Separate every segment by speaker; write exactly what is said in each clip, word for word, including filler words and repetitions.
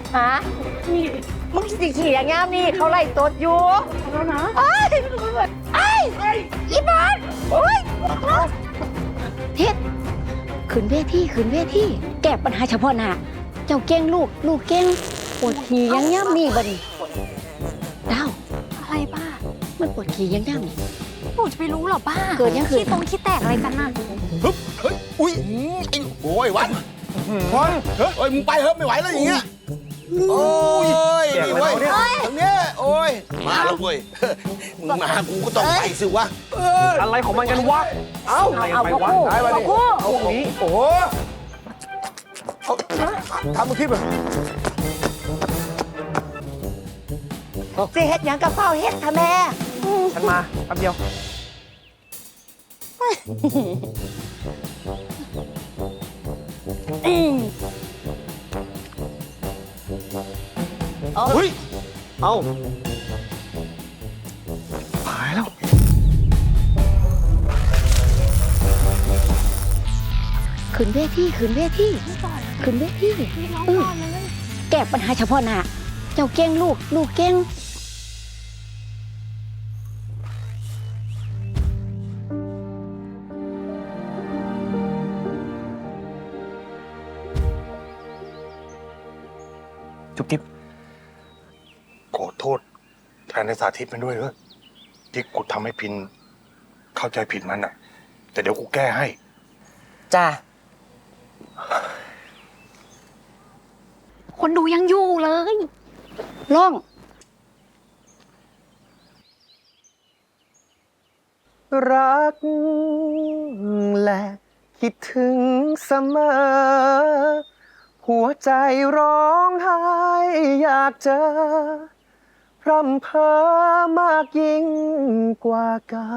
Speaker 1: ฮะมึงสิขี่อย่างงามนี่เขาไล่ตดอยู่แล้วนะไอ้ไอ้อีบอลโอ้ยเท็ดขึ้นเวทีขึ้นเวทีแก้ปัญหาเฉพาะหน้าเจ้าเก่งลูกลูกเก่งปวดขี่อย่างงามนี่บัดนี้ดาวอะไรป้ามันปวดขี่อย่างงามนี่หนูจะไปรู้หรอป้าเกิดยังคือขี้ตรงขี้แตกอะไรกันน่ะ
Speaker 2: ฮึบเฮ้ยอุ้ยไอ้โอ้ยวันวันเฮ้ยมึงไปเฮ้ยไม่ไหวแล้วอย่างเงี้ยโอ้ยนี่เว้ยตรงเนี้ยโอ้ยมาแล้วเว้ยมึงมากูก็ต้องไปสิวะ
Speaker 3: อะไรของมันกันวะเอ้าเอาไปวะได้มาดิเอาอย่างนี้โอ้โหทำมึงคิดแบบ
Speaker 1: สิเฮ็ดยังกับเฝ้าเฮ็ดค่ะแม่
Speaker 3: ฉันมาแป๊บเดียวเฮ้ยเอาหายแล้ว
Speaker 1: ขึ้นเวทีขึ้นเวทีขึ้นเวทีแก้ปัญหาเฉพาะหน้าเจ้าเก่งลูกลูกเก่ง
Speaker 2: จุ๊บจิ๊บขอโทษแทนในสาธิตมันด้วยเถอะที่กูทำให้พินเข้าใจผิดมันอะแต่เดี๋ยวกูแก้ให้
Speaker 1: จ้า
Speaker 4: คนดูยังอยู่เลย
Speaker 1: ล่อง
Speaker 3: รักและคิดถึงเสมอหัวใจร้องไห้อยากเจอพร่ำเพ้อมากยิ่งกว่าเก่า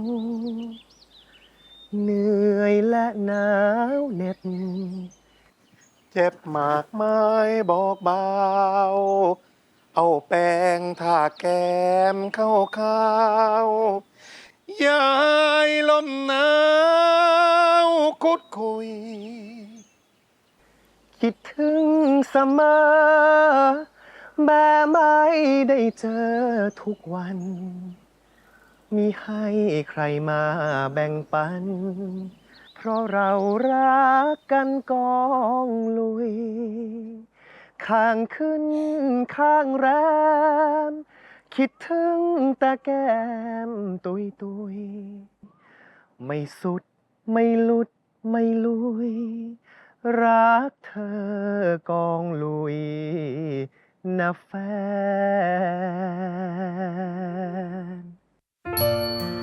Speaker 3: เหนื่อยและหนาวเหน็บเจ็บมากมายบอกเบาเอาแป้งทาแก้มเข้าข้าวยายลมหนาวคุดคุยคิดถึงเสมอแม้ไม่ได้เจอทุกวันมีให้ใครมาแบ่งปันเพราะเรารักกันกองลุยข้างขึ้นข้างแรมคิดถึงแต่แก้มตุยตุยไม่สุดไม่หลุดไม่ลุยรักเธอกองลุยนะแฟน